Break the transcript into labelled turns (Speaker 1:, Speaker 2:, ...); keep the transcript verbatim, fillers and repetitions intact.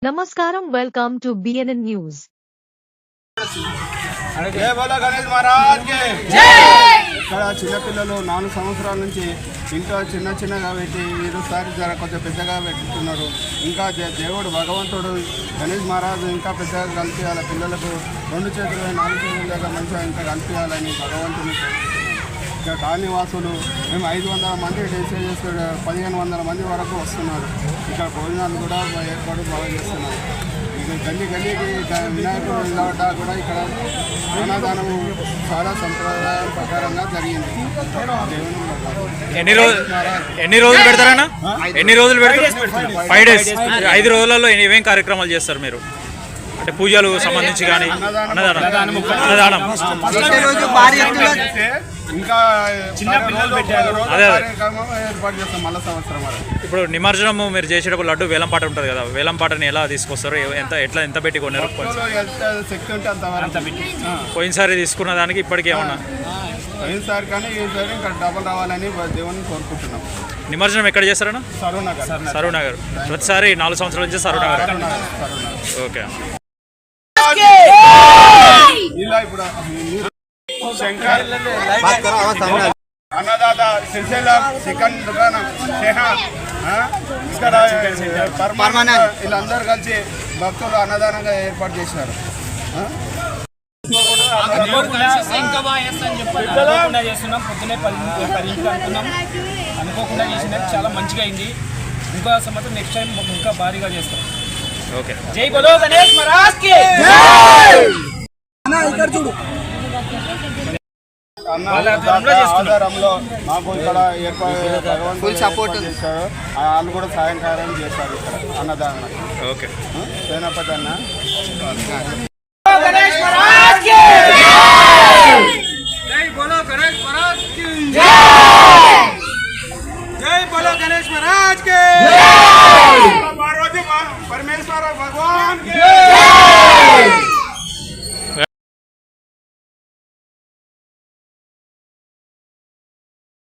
Speaker 1: Namaskaram, welcome to B N N News.
Speaker 2: జై బోలో గణేష్ మహారాజ్ కి జై. ఇక్కడ చిన్నపిల్లలు నాలుగు సంవత్సరాల నుంచి ఇంట్లో చిన్న చిన్నగా పెట్టి ఈరోజుసారి జర కొంచెం పెద్దగా పెట్టుతున్నారు. ఇంకా దేవుడు భగవంతుడు గణేష్ మహారాజు ఇంకా పెద్దగా కల్పించాలి, పిల్లలకు రెండు చేతులు నాలుగు చేతుల దగ్గర మంచిగా ఇంకా కల్పించాలని భగవంతుని. ఇక్కడ కాలనీవాసులు మేము ఐదు వందల మంది డేసే చేస్తే పదిహేను వందల మంది వరకు వస్తున్నారు. ఇక్కడ భోజనాలు కూడా ఏర్పాటు బాగా చేస్తున్నారు. ఇక గల్లీ గల్లీకి వినాయకుడు నిలబడ్డా కూడా ఇక్కడ అన్నదానము చాలా సంప్రదాయ ప్రకారంగా జరిగింది.
Speaker 3: ఎన్ని రోజులు ఎన్ని రోజులు పెడతారన్నా? ఎన్ని రోజులు పెడతారు? Five days. ఐదు రోజులలో ఏమేం కార్యక్రమాలు చేస్తారు మీరు? అంటే పూజలు సంబంధించి కానీ అన్నదానం అన్నదానం
Speaker 2: ఇంకా చిన్న పిల్లలు పెట్టారు ఏర్పాటు చేస్తాం మళ్ళీ సంవత్సరం.
Speaker 3: ఇప్పుడు నిమజ్జనము మీరు చేసేటప్పుడు లడ్డు వేలం పాట ఉంటుంది కదా, వేలం పాటని ఎలా తీసుకొస్తారు? ఎంత ఎట్లా ఎంత పెట్టి కొన్నారు?
Speaker 2: శక్తి ఉంటే అంత పెట్టి
Speaker 3: పోయినసారి తీసుకున్న దానికి ఇప్పటికి ఏమన్నా?
Speaker 2: పోయినసారి కానీ ఈసారి ఇంకా డబల్ రావాలని దేవుని కోరుకుంటున్నాం.
Speaker 3: నిమజ్జనం ఎక్కడ చేస్తారన్నా?
Speaker 2: సరూనగర్.
Speaker 3: సరూనగర్ ప్రతిసారి నాలుగు సంవత్సరాల నుంచి సరూనగర్. ఓకే.
Speaker 2: ఇలా ఇప్పుడు శంకర్ అన్నదాత సిరిసిల్ల చికెన్ దుకాణం ఇక్కడ పర్మానెంట్ వీళ్ళందరూ కలిసి భక్తులు అన్నదానంగా ఏర్పాటు చేసినారు.
Speaker 4: అనుకోకుండా చేస్తున్నాం, పొద్దునే పది పదింటికి అనుకున్నాం, అనుకోకుండా చేసిన చాలా మంచిగా అయింది. ఇంకో సంవత్సరం నెక్స్ట్ టైం ఇంకా భారీగా చేస్తాం.
Speaker 3: ఓకే.
Speaker 4: జై బోలో గణేష్ మహారాజ్ కి
Speaker 2: ఆధారంలో మాకు ఇక్కడ ఏర్పాటు ఫుల్ సపోర్ట్ చేశారు. వాళ్ళు కూడా సాయంకాలం చేస్తారు ఇక్కడ అన్నదానం.
Speaker 3: ఓకే.
Speaker 2: సేనాపతి అన్న